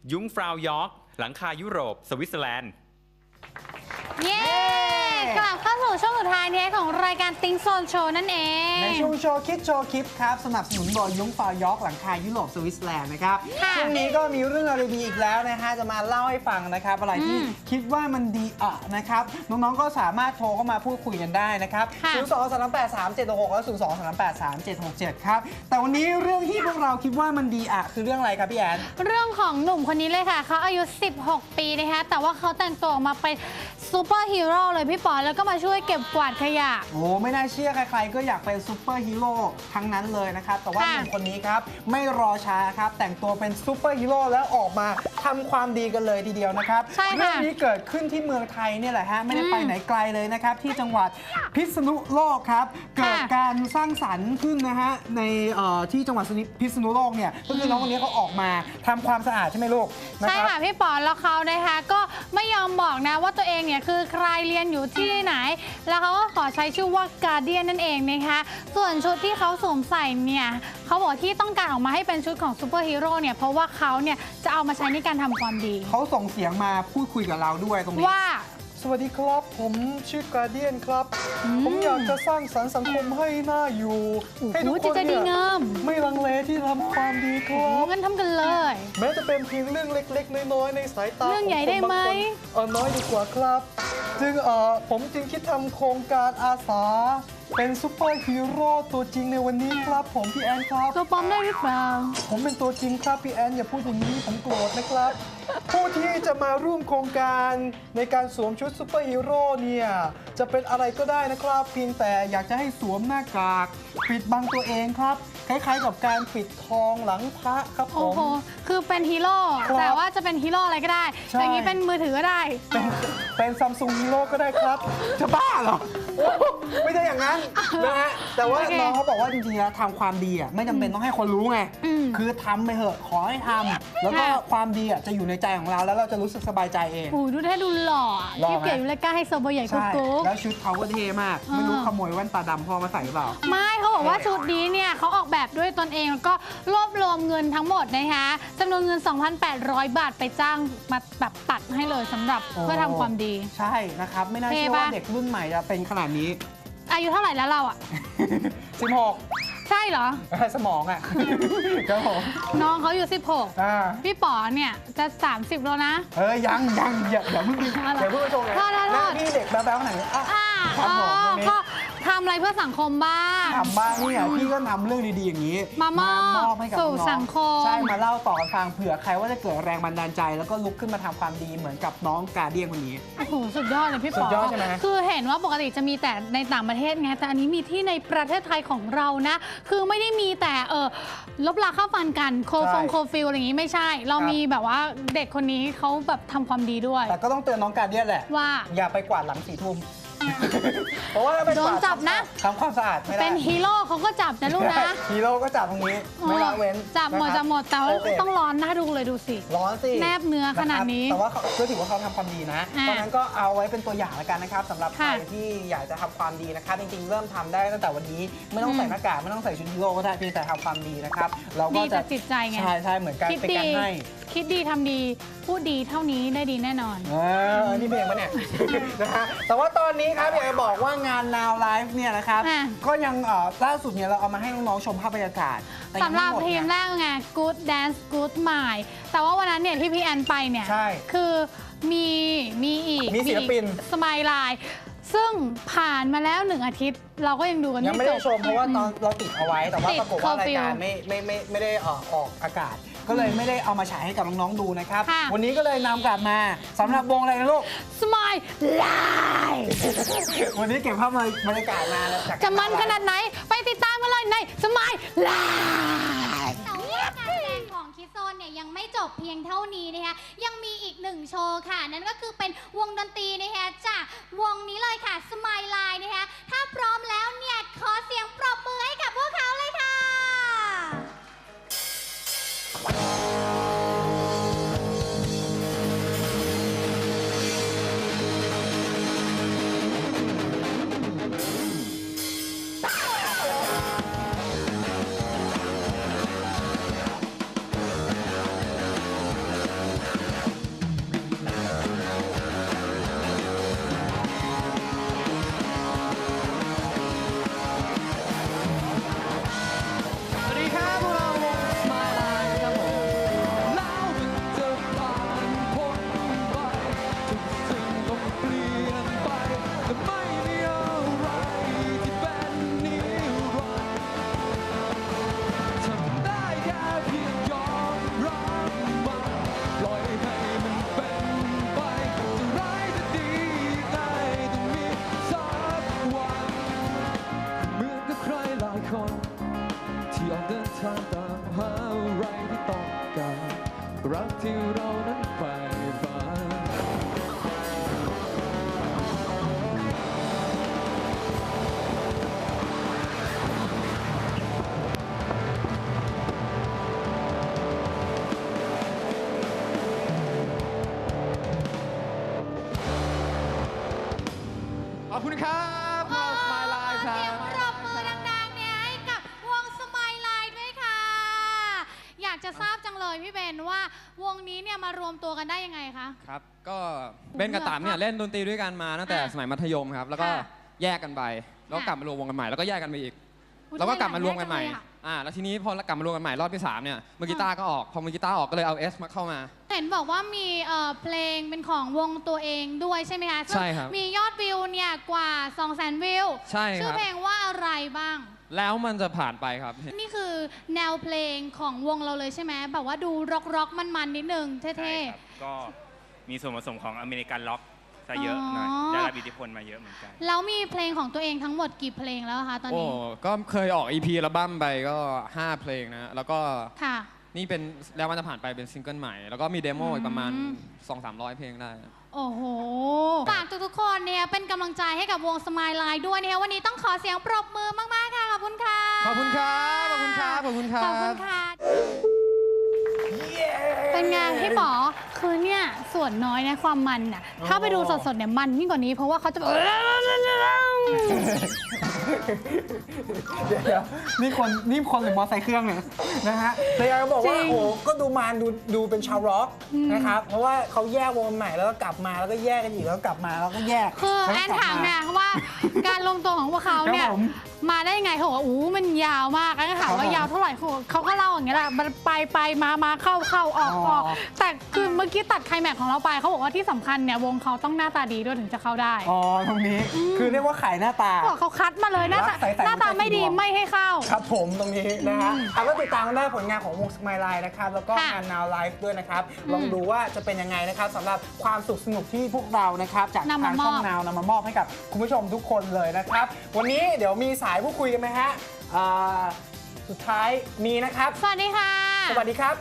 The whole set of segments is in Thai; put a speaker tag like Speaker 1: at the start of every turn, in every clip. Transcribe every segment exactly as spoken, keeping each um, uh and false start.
Speaker 1: ยุ้งฟราวยอร์กหลังคายุโรปสวิตเซอร์แลนด์
Speaker 2: เย้กลับเข้าสู่ช่วงสุดท้ายนี้ของรายการติ้งโซนโชว์นั่นเอง
Speaker 3: ในช่วงโชว์คิดโชว์คลิปครับสนับสนุนโดยยุ้งฟาวยอร์กหลังคายุโรปสวิตเซอร์แลนด์นะครับช่วงนี้ก็มีเรื่องอะไรดีอีกแล้วนะฮะจะมาเล่าให้ฟังนะครับอะไรที่คิดว่ามันดีอ่ะนะครับน้องๆก็สามารถโทรเข้ามาพูดคุยกันได้นะครับศูนย์สอง สาม แปด สาม เจ็ด หก หกและศูนย์สอง สาม แปด สาม เจ็ด หก เจ็ดครับแต่วันนี้เรื่องที่พวกเราคิดว่ามันดีอ่ะคือเรื่องอะไรครับพี่แอน
Speaker 2: เรื่องของหนุ่มคนนี้เลยค่ะเขาอายุสิบหกปีนะคะแต่ว่าเขาแต่งตัวออกมาเป็นซูเปอร์ฮีโร่เลยพี่ปอแล้วก็มาช่วยเก็บกวาดขยะ
Speaker 3: โอ้ไม่น่าเชื่อใครๆก็อยากเป็นซูเปอร์ฮีโร่ทั้งนั้นเลยนะครับแต่ว่าหนุ่มคนนี้ครับไม่รอช้าครับแต่งตัวเป็นซูเปอร์ฮีโร่แล้วออกมาทำความดีกันเลยทีเดียวนะครับเรื่องนี้เกิดขึ้นที่เมืองไทยเนี่ยแหละฮะไม่ได้ไปไหนไกลเลยนะครับที่จังหวัดพิษณุโลกครับเกิดการสร้างสรรค์ขึ้นนะฮะในที่จังหวัดพิษณุโลกเนี่ยก็คือน้องคนนี้เขาออกมาทำความสะอาดใช่ไหมลูก
Speaker 2: ใช่ค่ะพี่ปอแล้วเขานะคะก็ไม่ยอมบอกนะว่าตัวเองเนี่ยคือใครเรียนอยู่ที่ไหนแล้วเขาก็ขอใช้ชื่อว่าการ์เดียนนั่นเองนะคะส่วนชุดที่เขาสวมใส่เนี่ยเขาบอกที่ต้องการออกมาให้เป็นชุดของซูเปอร์ฮีโร่เนี่ยเพราะว่าเขาเนี่ยจะเอามาใช้ในการทำความดี
Speaker 3: เขาส่งเสียงมาพูดคุยกับเราด้วยตรงนี้
Speaker 2: ว่า
Speaker 3: สวัสดีครับผมชื่อการ์เดียนครับผมอยากจะสร้างสรรค์สังคมให้น่าอยู่ให้ทุกคนเนี่ยไม่ลังเลที่ทำความดีครับ
Speaker 2: งั้นทำกันเลย
Speaker 3: แม้จะเป็นเพียงเรื่องเล็กๆน้อยๆในสายตา
Speaker 2: เรื่องใหญ่ได้ไหม
Speaker 3: เออน้อยดีกว่าครับจึงเออผมจึงคิดทำโครงการอาสาเป็นซูเปอร์ฮีโร่ตัวจริงในวันนี้ครับผมพี่แอนครับ
Speaker 2: ตัวปลอมได้หรือเปล่า
Speaker 3: ผมเป็นตัวจริงครับพี่แอนอย่าพูดอย่างนี้ผมโกรธนะครับผู้ที่จะมาร่วมโครงการในการสวมชุดซูเปอร์ฮีโร่เนี่ยจะเป็นอะไรก็ได้นะครับเพียงแต่อยากจะให้สวมหน้ากากปิดบังตัวเองครับคล้ายๆกับการปิดทองหลังพระครับผม
Speaker 2: โอ้โหคือเป็นฮีโร่แต่ว่าจะเป็นฮีโร่อะไรก็ได้อย่างนี้เป็นมือถือก็ได้
Speaker 3: เป็นเป็นซัมซุงฮีโร่ก็ได้ครับจะบ้าเหรอไม่ใช่อย่างนั้นนะฮะแต่ว่าน้องเขาบอกว่าจริงๆแล้วทำความดีอ่ะไม่จำเป็นต้องให้คนรู้ไงคือทำไปเถอะขอให้ทำแล้วก็ความดีอ่ะจะอยู่ในใจของเราแล้วเราจะรู้สึกสบายใจเอง
Speaker 2: โอ้ดูแท้ดูหล่อที่เก๋อยู่เลยกล้าให้โซโบใหญ่กุ๊ก
Speaker 3: แล้วชุดเขาก็เท่มากไม่รู้ขโมยแว่นตาดำพ่อมาใส่หรือเปล่า
Speaker 2: ไม่เขาบอกว่าชุดนี้เนี่ยเขาออกแบบด้วยตนเองแล้วก็รวบรวมเงินทั้งหมดนะคะจำนวนเงิน สองพันแปดร้อย บาทไปจ้างมาแบบตัดให้เลยสำหรับเพื่อทำความดี
Speaker 3: ใช่นะครับไม่น่าเชื่อว่าเด็กรุ่นใหม่จะเป็นขนาดนี้
Speaker 2: อายุเท่าไหร่แล้วเราอ่ะ
Speaker 3: สิบหก
Speaker 2: ใช่เหรอ
Speaker 3: สมองอ่ะครับผม
Speaker 2: น้องเขาอยู่สิบหกพี่ป๋อเนี่ยจะสามสิบแล้วนะ
Speaker 3: เออยังยังอย่าอย่าเพิ่งอย่าเพิ่งไปชมเลยแล้วพี่เด็กแบ๊วๆขนาดนี้อ่ะ
Speaker 2: ก็ทำอะไรเพื่อสังคมบ้าง
Speaker 3: ทำบ้างนี่ไงพี่ก็นำเรื่องดีๆอย่างนี้
Speaker 2: มามอบให้กับน้องสังคม
Speaker 3: ใช่มาเล่าต่อฟังเผื่อใครว่าจะเกิดแรงบันดาลใจแล้วก็ลุกขึ้นมาทำความดีเหมือนกับน้องการ์เดียนคนนี้
Speaker 2: โอ้โหสุดยอดเลยพี่ป๋อสุ
Speaker 3: ดยอดใช่ไหม
Speaker 2: คือเห็นว่าปกติจะมีแต่ในต่างประเทศไงแต่อันนี้มีที่ในประเทศไทยของเรานะคือไม่ได้มีแต่เออลบลาข้าฟันกันโคฟงโคฟิลอะไรอย่างนี้ไม่ใช่เรามีแบบว่าเด็กคนนี้เขาแบบทำความดีด้วย
Speaker 3: แต่ก็ต้องเตือนน้องการ์เดียนแหละ
Speaker 2: ว่า
Speaker 3: อย่าไปกวาดหลังสี่ทุ่มเพราะว่า
Speaker 2: โดนจับนะ
Speaker 3: ทำความสะอาดไม่ได้
Speaker 2: เป็นฮีโร่เขาก็จับนะลูกนะ
Speaker 3: ฮีโร่ก็จับตรงนี้ไม่ละเว้น
Speaker 2: จับหมดจับหมดแต่ว่าต้องร้อนน่าดูเลยดูสิ
Speaker 3: ร้อนสิ
Speaker 2: แนบเนื้อขนาดนี้
Speaker 3: แต่ว่าก็ถือว่าเขาทำความดีนะตอนนั้นก็เอาไว้เป็นตัวอย่างแล้วกันนะครับสำหรับใครที่อยากจะทำความดีนะครับจริงๆเริ่มทำได้ตั้งแต่วันนี้ไม่ต้องใส่หน้ากากไม่ต้องใส่ชุดฮีโร่ก็ได้เพียงแต่ทำความดีนะครับเราก็จะ
Speaker 2: จิตใจไง
Speaker 3: ใช่ใช่เหมือนกันเป็นการให้
Speaker 2: คิดดีทำดีพูดดีเท่านี้ได้ดีแน่นอน
Speaker 3: เออนี่เพลงปะเนี่ยนะฮะแต่ว่าตอนนี้ครับอยากจะบอกว่างาน Now Live เนี่ยนะครับก็ยังล่าสุดเนี่ยเราเอามาให้น้องๆชมภาพบรรยากาศ
Speaker 2: สำหรับทีมแรกไง Good Dance Good Mind แต่ว่าวันนั้นเนี่ยที่พี่แอนไปเนี่ยคือมีมีอีก
Speaker 3: มีศิลปิน
Speaker 2: สมายไลน์ซึ่งผ่านมาแล้วหนึ่งอาทิตย์เราก็ยังดูกันไม่จบ
Speaker 3: ยังไม่ได้ชมเพราะว่าตอนเราติดเอาไว้แต่ว่าปรากฏว่ารายการไม่ไม่ไม่ไม่ได้ออกออกอากาศก็เลยไม่ได้เอามาฉายให้กับน้องๆดูนะครับวันนี้ก็เลยนำกลับมาสำหรับวงอะไรนะลูก
Speaker 2: Smile Live
Speaker 3: วันนี้เก็บภาพบรรยากาศมาแล้ว
Speaker 2: จะมันขนาดไหนไปติดตามกันเลยใน Smile Live
Speaker 4: แต่ว่าการแสดงของคิดโซนเนี่ยยังไม่จบเพียงเท่านี้นะคะยังมีอีกหนึ่งโชว์ค่ะนั่นก็คือเป็นวงดนตรีนะคะจากวงนี้เลยค่ะ Smile Live นะคะถ้าพร้อมแล้วเนี่ยขอเสียงปรบมือให้กับพวกเขาเลยค่ะ
Speaker 5: อบคุณครับพวกเราสมายไลฟ์ครั
Speaker 4: เสีย
Speaker 5: บ
Speaker 4: งปรบมือดังๆเนี่ยให้กับวงสมายไลน์ด้วยค่ะ อยากจะทราบจังเลยพี่เบนว่าวงนี้เนี่ยมารวมตัวกันได้ยังไงคะ
Speaker 5: ครับ ก็เบนกับต๋ามเนี่ยเล่นดนตรีด้วยกันมาตั้งแต่
Speaker 4: อ่ะ
Speaker 5: สมัยมัธยมครับ แล้วก็
Speaker 4: ค่ะ
Speaker 5: แยกกันไป แล้วก็
Speaker 4: ค่ะ
Speaker 5: กลับมารวมวงกันใหม่ แล้วก็แยกกันไปอีก
Speaker 4: อุ๊ย
Speaker 5: แล้วก็กลับมารวมกันใหม่
Speaker 4: ทำไมหลายแยกจังเลยอะ
Speaker 5: อ่า แล้วทีนี้พอกลับมารวมกันใหม่รอบที่สามเนี่ยมือกีตาร์ก็ออก พอมือกีตาร์ออกก็เลยเอาเอสมาเข้ามา
Speaker 4: เห็นบอกว่ามีเอ่อเพลงเป็นของวงตัวเองด้วยใช่ไหมคะซึ่ง
Speaker 5: ใช่ครับ
Speaker 4: มียอดวิวเนี่ยกว่า สองแสน วิว
Speaker 5: ใช่ครับ
Speaker 4: ชื่อเพลงว่าอะไรบ้าง
Speaker 5: แล้วมันจะผ่านไปครับ
Speaker 4: นี่คือแนวเพลงของวงเราเลยใช่ไหมแบบว่าดูร็อกร็อกๆมันๆนิดนึงเท่
Speaker 1: ใช่ครับ ก็มีส่วนผสมของอเมริกันล็อกซะเยอะหน่อย
Speaker 4: อ๋อ
Speaker 1: ได้รับอิทธิพลมาเยอะเหมือนกัน
Speaker 4: ๆแล้วมีเพลงของตัวเองทั้งหมดกี่เพลงแล้วคะตอน
Speaker 5: โอ้
Speaker 4: นี้
Speaker 5: ก็เคยออก อี พี อัลบั้มไปก็ห้าเพลงนะ แล้วก็
Speaker 4: ค่ะ
Speaker 5: นี่เป็นแล้วมันจะผ่านไปเป็นซิงเกิลใหม่ แล้วก็มีเดโมอีกประมาณ
Speaker 4: อืม
Speaker 5: สองสามร้อยเพลงได้
Speaker 4: โอ้โห ฝากทุกๆคนเนี่ยเป็นกำลังใจให้กับวงสมายไลน์ด้วยนะคะวันนี้ต้องขอเสียงปรบมือมากๆค่ะ ขอบคุณค่ะ
Speaker 5: ขอบคุณครับ ขอบคุณครับ ขอบคุณครั
Speaker 4: ขอบคุณ
Speaker 5: บ
Speaker 4: ค่ะ เป็นไงพี่ป๋อคือเนี่ยส่วนน้อยนะความมันน่ะถ้าไปดูสดๆเนี่ยมันยิ่งกว่านี้เพราะว่าเขาจะแบบ
Speaker 3: เดี๋ยวเดี๋ยวนี่คนนี่คนหรือมอไซค์เครื่องเนี่ยนะฮะแต่อยากจะบอกว่า
Speaker 4: จริง
Speaker 3: โอ้โหก็ดูมานดูดูเป็นชาวร็อก
Speaker 4: อืม
Speaker 3: นะครับเพราะว่าเขาแยกวงใหม่แล้วก็กลับมาแล้วก็แยกกันอีกแล้วก็กลับมาแล้วก็แยก
Speaker 4: คือ
Speaker 3: ล้ว
Speaker 4: แอ
Speaker 3: ก็
Speaker 4: น
Speaker 3: กลับ
Speaker 4: ถามนะว่าการรวมตัวของพวกเขาเนี่ย
Speaker 3: ครับผม
Speaker 4: มาได้ยังไงเขาบอกว่าอู้มันยาวมากแล้วก็ถาม
Speaker 3: ครับ
Speaker 4: ว่า
Speaker 3: ผม
Speaker 4: ยาวเท่าไหร่เขาเขาก็เล่าอย่างเงี้ยแหละมันไปไปมามาเข้าเข้าออกออก
Speaker 3: อ๋อ
Speaker 4: แต่คือเมื่อกี้ตัดไคลแม็กซ์ของเราไปเขาบอกว่าที่สำคัญเนี่ยวงเขาต้องหน้าตาดีด้วยถึงจะเข้าได้
Speaker 3: อ๋อตรงนี้คือเรียกว่าขายหน้าตา
Speaker 4: บอกเขาคัดมาเลยหน้าตา
Speaker 3: รักใสๆ
Speaker 4: หน้าตาไม่ดี
Speaker 3: หัวใจ
Speaker 4: ไม่ให้เข้า
Speaker 3: ครับผมตรงนี้นะฮะเอาก็ติดตามกันได้ผลงานของวงสมายไลน์นะครับแล้วก็
Speaker 4: ค่ะ
Speaker 3: งาน Now Live ด้วยนะครับ
Speaker 4: อืม
Speaker 3: ลองดูว่าจะเป็นยังไงนะครับสำหรับความสุขสนุกที่พวกเรานะครับจาก
Speaker 4: นำ
Speaker 3: ทาม
Speaker 4: าง มอบ
Speaker 3: ช่อง Now นำมามอบให้กับคุณผู้ชมทุกคนเลยนะครับ วันนี้เดี๋ยวมีสายพูดคุยกันไหมฮะอ่าสุดท้ายมีนะครับ
Speaker 4: สวัสดีค่ะ
Speaker 3: สวัสดีครับ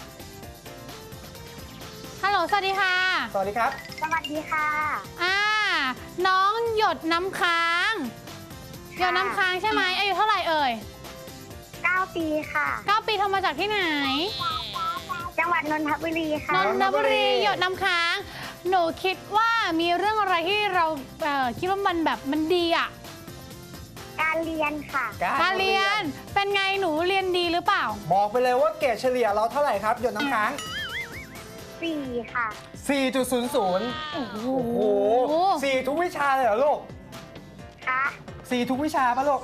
Speaker 4: ฮัลโหลสวัสดีค่ะ
Speaker 3: สวัสดีครับ
Speaker 6: สวัสดีค่ะ
Speaker 4: อ่าน้องหยดน้ำค้างหยดน้ำค้างใช่ไหมอายุเท่าไหร่เอ่ย
Speaker 6: เก้า ปีค่ะ
Speaker 4: เก้าปีทำมาจากที่ไหน
Speaker 6: จังหวัดนนทบุรีค่ะ
Speaker 4: นนทบุรีหยดน้ำค้าง หนูคิดว่ามีเรื่องอะไรที่เราเอ่อคิดว่ามันแบบมันดีอ่ะ
Speaker 6: การเรียนค่ะ
Speaker 4: การเรียนเป็นไงหนูเรียนดีหรือเปล่า
Speaker 3: บอกไปเลยว่าเกรดเฉลี่ยเราเท่าไหร่ครับหยดน้ำค้าง
Speaker 6: สี่ ค่ะ
Speaker 3: สี่จุดศูนย์ศูนย์
Speaker 4: โอ้โห
Speaker 3: โอ้โหสี่ทุกวิชาเลยเหรอลูก
Speaker 6: ค่ะ
Speaker 3: สี่ทุกวิชาปะลูก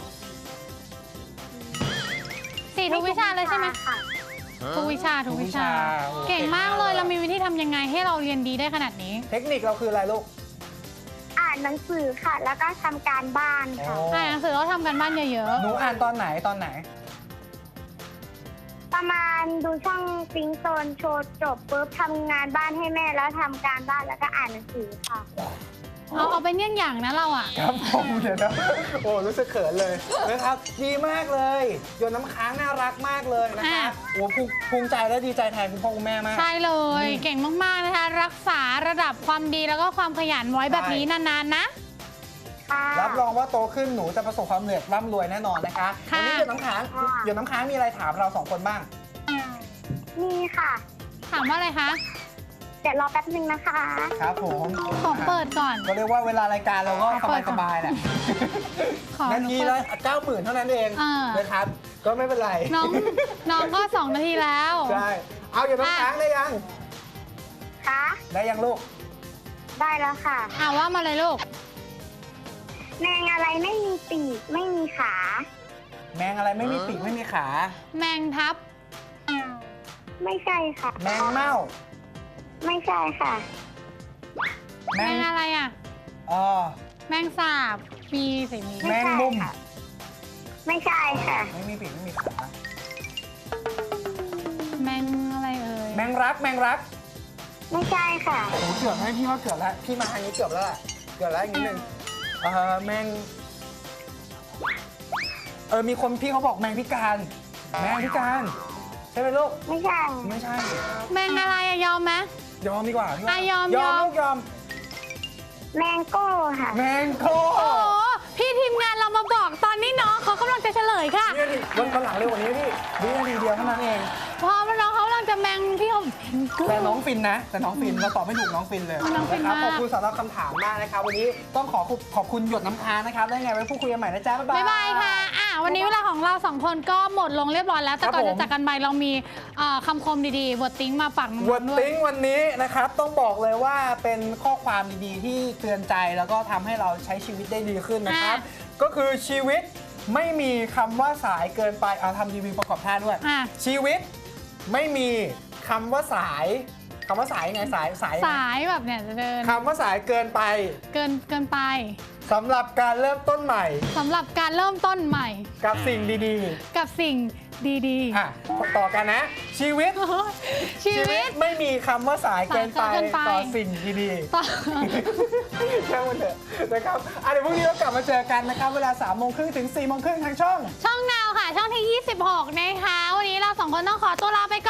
Speaker 4: สี่ทุกวิชาเลยใช่ไหม
Speaker 6: ค่ะ
Speaker 4: ทุกวิชาทุกวิชา
Speaker 3: โอ้
Speaker 4: เก่งมากเลยเรามีวิธีทำยังไงให้เราเรียนดีได้ขนาดนี้
Speaker 3: เทคนิคเราคืออะไรลูก
Speaker 6: อ่านหนังสือค่ะ แล้วก็ทำการบ้านค่ะ
Speaker 4: อ่านหนังสือแล้วทำกันบ้านเยอะ
Speaker 3: หนูอ่านตอนไหนตอนไหน
Speaker 6: ประมาณดูช่องซิงโซนโชว์จบปุ๊บทำงานบ้านให้แม่แล้วทำการบ้านแล้วก็อ่านหนังสือค่ะ
Speaker 4: ๆ เอาเอาเป็นเยี่ยงอย่างนะเราอ่ะ
Speaker 3: ครับผมเดี๋ยวนะโอ้รู้สึกเขินเลยนะครับ ดีมากเลยโยนน้ำค้างน่ารักมากเลยนะคะ
Speaker 4: อ่ะ
Speaker 3: โอ้ภูมิภูมิใจและดีใจแทนคุณพ่อคุณแม่มาก
Speaker 4: ใช่เลย
Speaker 3: อืม
Speaker 4: เก่งมากๆนะคะ รักษาระดับความดีแล้วก็ความขยันไว้แบบนี้นานๆนะ
Speaker 6: ค่ะ
Speaker 3: รับรองว่าโตขึ้นหนูจะประสบความสำเร็จร่ำรวยแน่นอนนะคะ
Speaker 4: ค่ะ
Speaker 3: วันี้โยนน้ำค้างโยนน้ำค้างมีอะไรถามเราสองคนบ้าง
Speaker 6: มีค่ะ
Speaker 4: ถามว่าอะไรคะ
Speaker 6: เดี๋ยวรอแป๊บนึงนะคะ
Speaker 3: ครับผม
Speaker 4: ขอเปิดก่อน
Speaker 3: ก็เรียกว่าเวลารายการเราก็
Speaker 4: ขอ
Speaker 3: ส
Speaker 4: เปิ
Speaker 3: บา
Speaker 4: ด
Speaker 3: ย
Speaker 4: ก่
Speaker 3: ส
Speaker 4: อน
Speaker 3: บายๆแหละ
Speaker 4: ขอ
Speaker 3: นาทีละเก้าหมื่นเท่านั้นเอง
Speaker 4: เออ
Speaker 3: นะครับ ก็ไม่เป็นไร
Speaker 4: น้องน้องก็สองนาทีแล้ว
Speaker 3: ใช่ เอาโยนน้ำค้างได้ยัง
Speaker 6: ค่ะ
Speaker 3: ได้ยังลูก
Speaker 6: ได้แล้วค่ะ
Speaker 4: อ่าว่ามาเลยลูก
Speaker 6: แมงอะไรไม่มีปีกไม่มีขา
Speaker 3: แมงอะไรไม่มีปีกไม่มีขา
Speaker 4: แมงทับ
Speaker 6: ไม่ใช่ค่ะ
Speaker 3: แมงเม่า
Speaker 6: ไม่ใช่ค่ะ
Speaker 3: แม
Speaker 4: แม
Speaker 3: ง
Speaker 4: งอะไรอ่ะ
Speaker 3: เออ
Speaker 4: แมงสาบมีสิมี
Speaker 3: แมงมุม
Speaker 6: ค่ะ ไม่ใช่ค่ะ
Speaker 3: ไม่มีปีกไม่มีขา
Speaker 4: แมงอะไรเอ่ย
Speaker 3: แมงรัก แมงรัก
Speaker 6: ไม่ใช่ค่ะ
Speaker 3: โอ้โหเกือบให้พี่ว่าเกือบแล้ว พี่มาทางนี้เกือบแล้วแหละเกือบแล้วอีกนิดนึงเออแมง เออ มีคนพี่เขาบอกแมงพิการ แมงพิการ ใช่ไหมลูก
Speaker 6: ไม่ใช่
Speaker 3: ไม่ใช่
Speaker 4: แมงอะไรอะยอมไหม
Speaker 3: ยอมดีกว่าพี่ว่า
Speaker 4: อ่ะยอม
Speaker 3: ยอม
Speaker 4: ยอม
Speaker 3: ลูกยอม
Speaker 6: แมงโก้ค่ะ
Speaker 3: แมงโค
Speaker 4: โอ้โหพี่ทีมงานเรามาบอกตอนนี้น้องเขากำลังจะเฉลยค่ะ
Speaker 3: นี่ดิวันวันหลังเร็วกว่านี้พี่วินาทีเดียวเท่านั้นเอง
Speaker 4: พอน้องเขากำลัง
Speaker 2: จะแมงพี่เขา
Speaker 3: แต่น้องฟินนะ แต่น้องฟินเราตอบไม่ถูกน้องฟินเลย
Speaker 2: น้องฟิน
Speaker 3: นะครับ
Speaker 2: มาก
Speaker 3: ขอบคุณสำหรับคำถามมากนะครับวันนี้ต้องขอขอบคุณหยดน้ำค้างนะครับได้ไงไว้พูดคุยกันใหม่นะจ๊ะบ๊ายบาย
Speaker 2: บ๊ายบายค่ะอ่ะ วันนี้เวลาของเราสองคนก็หมดลงเรียบร้อยแล้ว แต่ก่อน
Speaker 3: ครับผม
Speaker 2: จะจากกันไปเรามีเอ่อคำคมดีๆบทติ้งมาฝากน้อง
Speaker 3: วอร์ด
Speaker 2: ๆด้วย
Speaker 3: ติ้งวันนี้นะครับต้องบอกเลยว่าเป็นข้อความดีๆ ที่เตือนใจแล้วก็ทำให้เราใช้ชีวิตได้ดีขึ้นนะครับ ก็คือชีวิตไม่มีคำว่าสายเกินไปเอาทำรีวิวประกอบท่าด้วย
Speaker 2: อ่ะ
Speaker 3: ชีวิตไม่มีคำว่าสายคำว่าสายยังไงสายสายยังไง
Speaker 2: สายแบบเนี่ยจะเดิน
Speaker 3: คำว่าสายเกินไป
Speaker 2: เกินเกินไป
Speaker 3: สำหรับการเริ่มต้นใหม่
Speaker 2: สำหรับการเริ่มต้นใหม่
Speaker 3: กับสิ่งดี
Speaker 2: กับสิ่งดี
Speaker 3: ๆอ่ะต่อกันนะ ชีวิต
Speaker 2: ๆ ชีวิต
Speaker 3: ไม่มีคำว่าสายเกินไป
Speaker 2: สายเกินไป
Speaker 3: ต่อสิ่งดี
Speaker 2: ต่อ
Speaker 3: ๆแค่วันเถอะนะครับอ่ะเดี๋ยวพรุ่งนี้เรากลับมาเจอกันนะครับเวลาสามโมงครึ่งถึงสี่โมงครึ่งทางช่อง
Speaker 2: ช่องนาวค่ะ ช่องที่ ยี่สิบหก นะคะ วันนี้เราสองคนต้องขอตัวลาไป